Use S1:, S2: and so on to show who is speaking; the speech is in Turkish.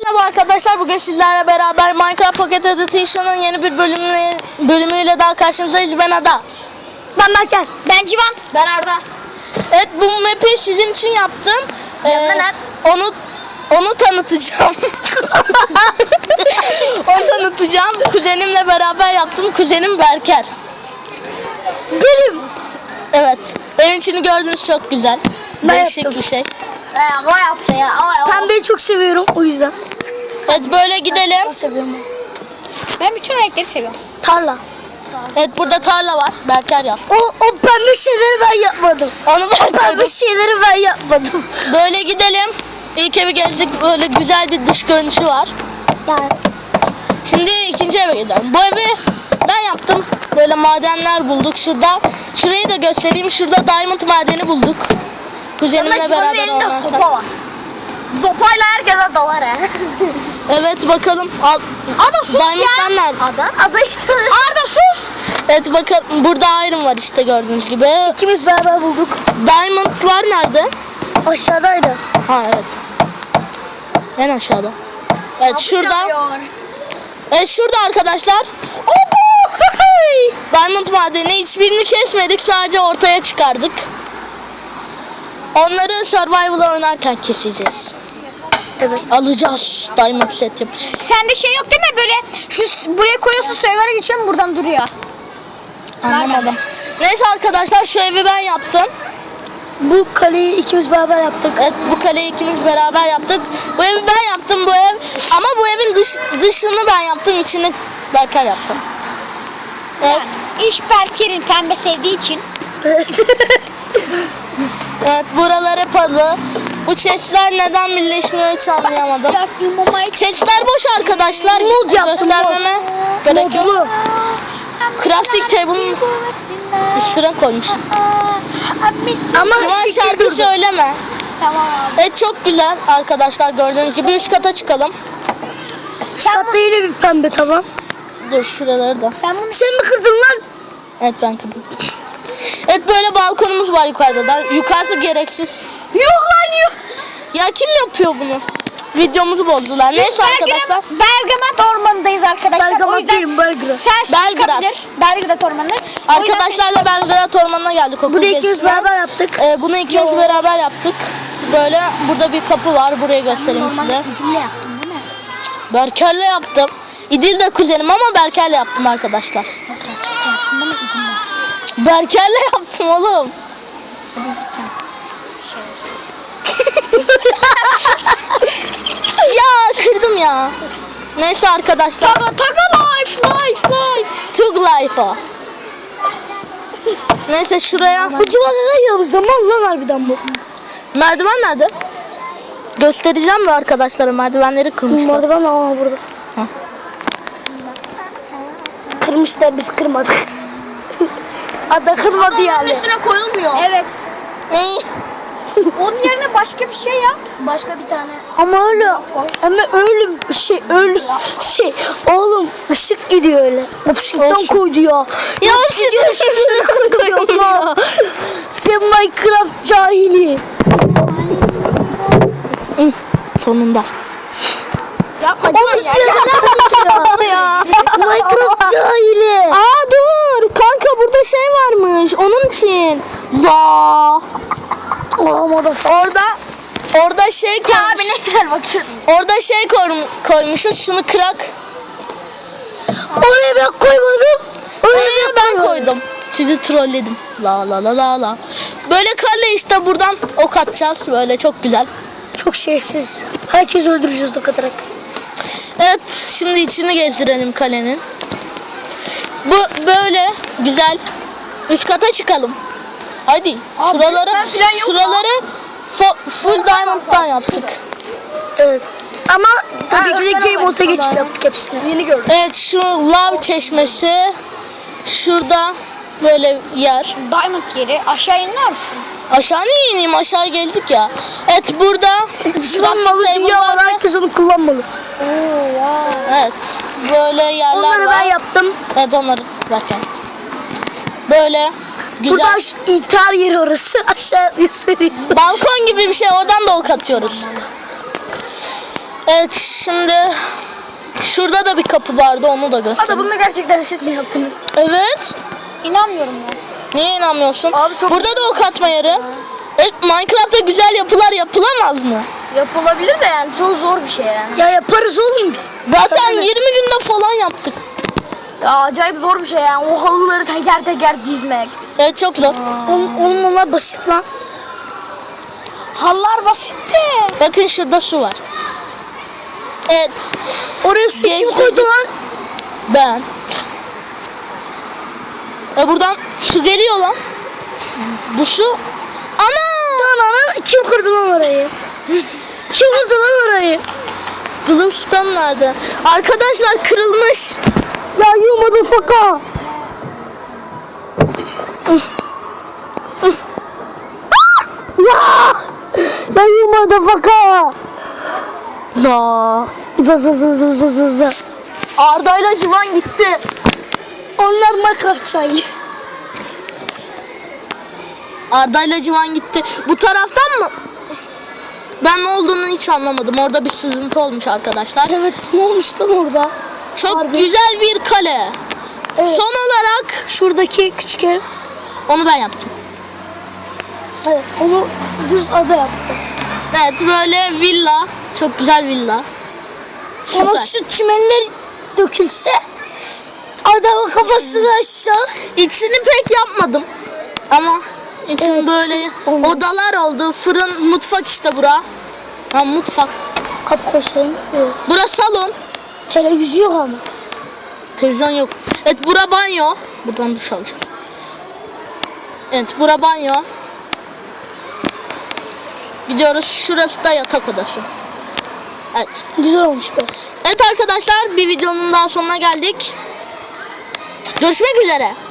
S1: Merhaba arkadaşlar, bugün sizlerle beraber Minecraft Pocket Edition'ın yeni bir bölümüyle daha karşınızdayız. Ben Ada.
S2: Ben Berker.
S3: Ben Civan.
S2: Ben Arda.
S1: Evet, bu map'i sizin için yaptım. Onu tanıtacağım. Onu tanıtacağım. Kuzenimle beraber yaptım. Kuzenim Berker.
S2: Benim.
S1: Evet. Evin içini gördüğünüz çok güzel.
S2: Ben
S1: Değişik
S2: yaptım.
S1: bir şey.
S3: O yaptı ya.
S2: Pembeyi çok seviyorum o yüzden.
S1: Evet, böyle gidelim.
S2: Çok seviyorum.
S3: Ben bütün renkleri seviyorum.
S2: Tarla.
S1: Evet, burada tarla var. Berker yap.
S2: O pembe şeyleri ben yapmadım.
S1: Onu ben
S2: Pembe
S1: koydum.
S2: şeyleri ben yapmadım.
S1: Böyle gidelim. İlk evi gezdik. Böyle güzel bir dış görünüşü var.
S2: Yani
S1: Şimdi ikinci eve gidelim. Bu evi ben yaptım. Böyle madenler bulduk şurada. Şurayı da göstereyim. Şurada diamond madeni bulduk. Kuzenimle
S3: Ama Civan'ın
S1: beraber
S3: elinde
S1: ondan sonra.
S3: sopa var. Sopayla herkese dalar he.
S1: Evet, bakalım.
S3: Ada sus
S1: Diamondlar
S3: ya.
S1: nerede?
S3: Ada işte. Arda sus.
S1: Evet, bakın burada iron var işte, gördüğünüz gibi.
S2: ikimiz beraber bulduk.
S1: Diamondlar nerede?
S2: Aşağıdaydı.
S1: Ha, evet. En aşağıda. Evet, şurada. Evet, şurada arkadaşlar. Diamond madeni, hiçbirini kesmedik, sadece ortaya çıkardık. Onları survival oynarken keseceğiz.
S2: Evet.
S1: Alacağız. Diamond set yapacağız.
S3: Sende şey yok değil mi böyle buraya koyuyorsun server'a geçiyorum buradan duruyor.
S1: Anlamadım. Neyse arkadaşlar, şu evi ben yaptım.
S2: Bu kaleyi ikimiz beraber yaptık.
S1: Evet, bu kaleyi ikimiz beraber yaptık. Bu evi ben yaptım, bu ev. Ama bu evin dışını ben yaptım, içini Berker yaptım. Evet.
S3: İş Berker'in pembe sevdiği için.
S1: Evet, buralar hep halı. Bu chestler neden birleşmiyor hiç anlayamadım. Chestler boş arkadaşlar.
S2: Mod yaptım,
S1: Göstermeme gerek yok.
S2: Modlu.
S1: Crafting table'ın üstüne koymuş.
S2: Ama
S1: Civan,
S2: şekil
S1: şarkı
S2: durdu.
S1: söyleme.
S3: Tamam abi.
S1: Evet, çok güzel arkadaşlar, gördüğünüz gibi. Üst kata çıkalım.
S2: Üst katta yine bir pembe tavan.
S1: Dur, şuraları da.
S3: Sen bunu
S2: Sen mi kırdın lan?
S1: Evet, ben kırdım. Evet, böyle balkonumuz var yukarıda da. Yukarısı gereksiz.
S3: yok lan yok.
S1: Ya kim yapıyor bunu? Cık, videomuzu bozdular. Neyse arkadaşlar.
S3: Bergama ormanındayız arkadaşlar.
S2: Bergama
S3: o yüzden
S2: değilim, Belgrad.
S3: Sen
S1: Belgrad.
S3: sıkabilir. Belgrad ormanı.
S1: Arkadaşlarla Belgrad Ormanı'na geldik okul
S2: Bunu ikimiz
S1: gezisine.
S2: beraber yaptık.
S1: Bunu ikimiz beraber yaptık. Böyle burada bir kapı var. Burayı göstereyim size. Berker'le yaptım. İdil de kuzenim ama Berker'le yaptım arkadaşlar. Berker'le yaptım oğlum. Ya kırdım ya. Neyse arkadaşlar.
S3: Taka life.
S1: Tug life o. Neyse, şuraya.
S2: Bu civan neden yanımızda? Mal lan harbiden bu.
S1: Merdiven nerede? Göstereceğim mi arkadaşlara, merdivenleri kırmışlar.
S2: Merdiven ama burada.
S1: Hı.
S2: Kırmışlar, biz kırmadık. Ada kırmadı yani.
S3: üstüne koyulmuyor. Evet.
S1: Ne?
S3: Onun yerine başka bir şey yap. Başka bir tane.
S2: Ama öyle oğlum ışık gidiyor öyle. Işıktan
S1: Olsun.
S2: koydu ya.
S1: Ya ışığı koyuyorum ya.
S2: Sen Minecraft cahili.
S1: Sonunda.
S3: Yapma.
S2: Oğlum size ne
S1: Ya.
S2: Minecraft cahili.
S1: Aa, dur. Kanka, burada şey varmış. Onun için. Orada şey
S3: Ya
S1: koymuş.
S3: abi ne güzel bakıyordun.
S1: Orada şey koymuşuz. Şunu kırak.
S2: Oraya ben koymadım.
S1: Oraya ben koydum. Sizi trolledim. La. Böyle kale işte, buradan ok atacağız. Böyle çok güzel.
S2: Çok şerefsiz. Herkes öldüreceğiz o kadar.
S1: Evet, şimdi içini gezdirelim kalenin. Bu böyle güzel. Üst kata çıkalım. Hadi. Şuraları full diamond'dan yaptık.
S2: Evet. Ama tabii ki de
S3: öğretmen
S2: game
S3: var
S2: mode'a geçip
S3: yukarıda.
S2: yaptık hepsini.
S3: Yeni gördüm.
S1: Evet, şu lav çeşmesi. Şurada böyle yer.
S3: Diamond yeri. Aşağı iner misin?
S1: Aşağı niye ineyim? Aşağı gezdik ya. Evet, burada
S2: Kullanmalı dünya var. Herkes onu kullanmalı.
S1: Evet. Böyle yerler
S2: Onları
S1: var.
S2: ben yaptım.
S1: Evet, onları verken. Böyle güzel.
S2: Burada intihar yeri orası. Aşağı gösteriyorsun.
S1: Balkon gibi bir şey, oradan da ok atıyoruz. Evet şimdi şurada da bir kapı vardı, onu da göstereyim.
S3: bunu gerçekten siz mi yaptınız?
S1: Evet.
S3: İnanmıyorum ya.
S1: Niye inanmıyorsun?
S3: Abi çok
S1: Burada da ok atma yeri. Minecraft'ta güzel yapılar yapılamaz mı?
S3: Yapılabilir de yani çok zor bir şey yani.
S2: Ya yaparız oğlum biz.
S1: Zaten 20 günde falan yaptık.
S3: Ya acayip zor bir şey yani. O halıları teker teker dizmek.
S1: Evet çok zor.
S2: Oğlum onlar basit lan.
S3: Halılar basitti.
S1: Bakın şurada su var. Evet.
S2: Oraya su kim
S1: Gezdik.
S2: koydu lan?
S1: Ben. Buradan su geliyor lan. Bu su. Ana!
S2: Lan kim kırdı lan orayı? Kim kırdı lan orayı?
S1: Glowstone nerede? Arkadaşlar kırılmış.
S2: Ya you motherfucker. Ya! Ya you motherfucker. Za.
S1: Arda'yla Civan gitti.
S2: Onlar Minecraft çayı.
S1: Arda'yla Civan gitti. Bu taraftan mı? Ben ne olduğunu hiç anlamadım. Orada bir sızıntı olmuş arkadaşlar.
S2: Evet ne olmuş lan orada?
S1: Çok
S2: Harbi.
S1: güzel bir kale.
S2: Evet.
S1: Son olarak
S2: Şuradaki küçük ev.
S1: onu ben yaptım.
S2: Evet onu düz ada yaptı.
S1: Evet böyle villa. Çok güzel villa.
S2: Ama
S1: Süper.
S2: şu çimenler dökülse adamın kafasını aşağı.
S1: İçini pek yapmadım. Ama için
S2: Evet,
S1: böyle
S2: içi olmaz.
S1: odalar oldu. Fırın, mutfak işte bura. Ha mutfak.
S2: Kap koysayım. Yok.
S1: Bura salon.
S2: Televizyon yok ama.
S1: Televizyon yok. Evet bura banyo. Buradan duş alacağım. Evet bura banyo. Gidiyoruz. Şurası da yatak odası. Evet.
S2: Güzel olmuş be.
S1: Evet arkadaşlar bir videonun daha sonuna geldik. Görüşmek üzere.